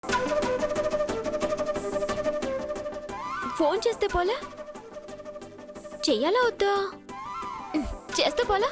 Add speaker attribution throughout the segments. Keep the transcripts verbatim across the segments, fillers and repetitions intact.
Speaker 1: Phone చేస్తే పోలా? చెయ్యాలా వద్దా? చేస్తే పోలా?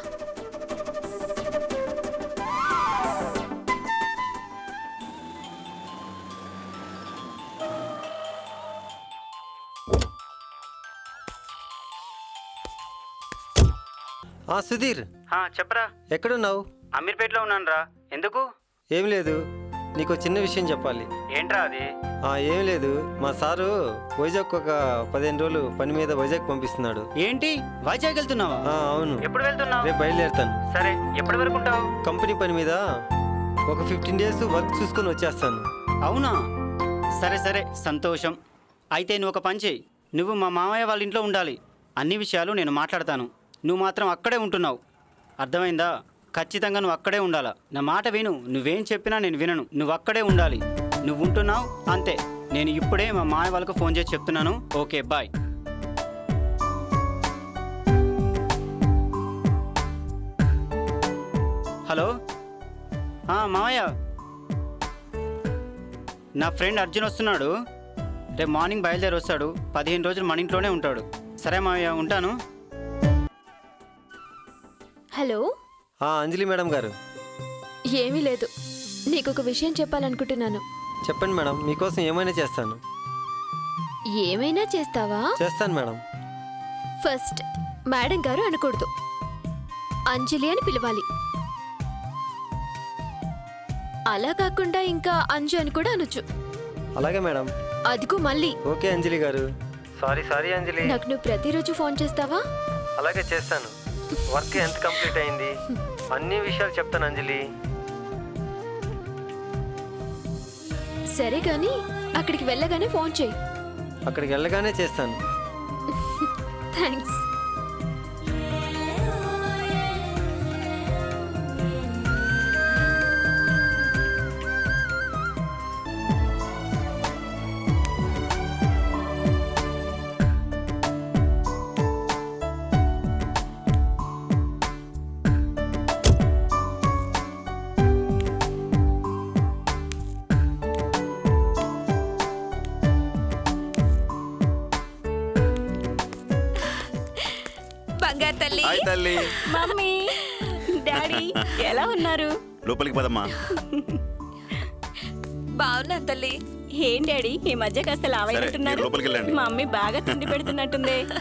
Speaker 2: సుధీర్,
Speaker 3: చెప్పరా.
Speaker 2: ఎక్కడున్నావు?
Speaker 3: అమీర్పేటలో ఉన్నాను రా. ఎందుకు?
Speaker 2: ఏం లేదు, నీకు చిన్న విషయం చెప్పాలి.
Speaker 3: ఏంట్రా అది?
Speaker 2: ఏం లేదు, మా సారు వైజాగ్ ఒక పదిహేను రోజులు పని మీద వైజాగ్ పంపిస్తున్నాడు.
Speaker 3: ఏంటి, వైజాగ్ వెళ్తున్నావా?
Speaker 2: అవును.
Speaker 3: ఎప్పుడు వెళ్తున్నావు?
Speaker 2: రేపు బయలుదేరుతాను.
Speaker 3: సరే, ఎప్పటి వరకు ఉంటావు?
Speaker 2: కంపెనీ పని మీద ఒక ఫిఫ్టీన్ డేస్ వర్క్ చూసుకొని వచ్చేస్తాను.
Speaker 3: అవునా? సరే సరే, సంతోషం. అయితే నువ్వు ఒక పని చేయి, నువ్వు మా మామయ్య వాళ్ళ ఇంట్లో ఉండాలి. అన్ని విషయాలు నేను మాట్లాడతాను, నువ్వు మాత్రం అక్కడే ఉంటున్నావు. అర్థమైందా? ఖచ్చితంగా నువ్వు అక్కడే ఉండాలా. నా మాట విను, నువ్వేం చెప్పినా నేను వినను. నువ్వు అక్కడే ఉండాలి. నువ్వు ఉంటున్నావు అంతే. నేను ఇప్పుడే మా మామయ్య వాళ్ళకు ఫోన్ చేసి చెప్తున్నాను. Okay, bye. హలో, మామయ్య, నా ఫ్రెండ్ అర్జున్ వస్తున్నాడు. రేపు మార్నింగ్ బయలుదేరి వస్తాడు. పదిహేను రోజులు మన ఇంట్లోనే ఉంటాడు. సరే మామయ్య, ఉంటాను.
Speaker 1: హలో.
Speaker 2: అంజలి మేడం గారు.
Speaker 1: ఏమీ లేదు, నీకు ఒక విషయం చెప్పాలనుకుంటున్నాను.
Speaker 2: చెప్పండి మేడం, మీకోసం ఏమైనా చేస్తాను.
Speaker 1: ఏమైనా చేస్తావా?
Speaker 2: చేస్తాను మేడం.
Speaker 1: ఫస్ట్ మేడం గారు అనకూడదు, అంజలి అని పిలవాలి. అలా కాకుండా ఇంకా అంజు అని కూడా అనొచ్చు.
Speaker 2: అలాగే మేడం.
Speaker 1: అదిగో మళ్ళీ.
Speaker 2: ఓకే అంజలి గారు. Sorry sorry Anjali.
Speaker 1: నాకు నువ్వు ప్రతిరోజు ఫోన్ చేస్తావా?
Speaker 2: అలాగే చేస్తాను. వర్క్ ఎంత కంప్లీట్ అయింది, అన్ని విషయాలు చెప్తాను అంజలి.
Speaker 1: సరే కానీ అక్కడికి వెళ్ళగానే ఫోన్ చేయి.
Speaker 2: అక్కడికి వెళ్ళగానే చేస్తాను.
Speaker 1: థ్యాంక్స్.
Speaker 4: తల్లి,
Speaker 5: హాయ్ తల్లి.
Speaker 4: మమ్మీ, డాడీ ఎలా ఉన్నారు?
Speaker 5: లోపలికి పదమ్మా.
Speaker 4: బాగున్నాను తల్లి. ఏం డాడీ ఈ మధ్య కాస్త లావైనట్టున్నారు.
Speaker 5: లోపలికి వెళ్ళండి.
Speaker 4: మమ్మీ బాగా తిండి పెడుతున్నట్టుంది.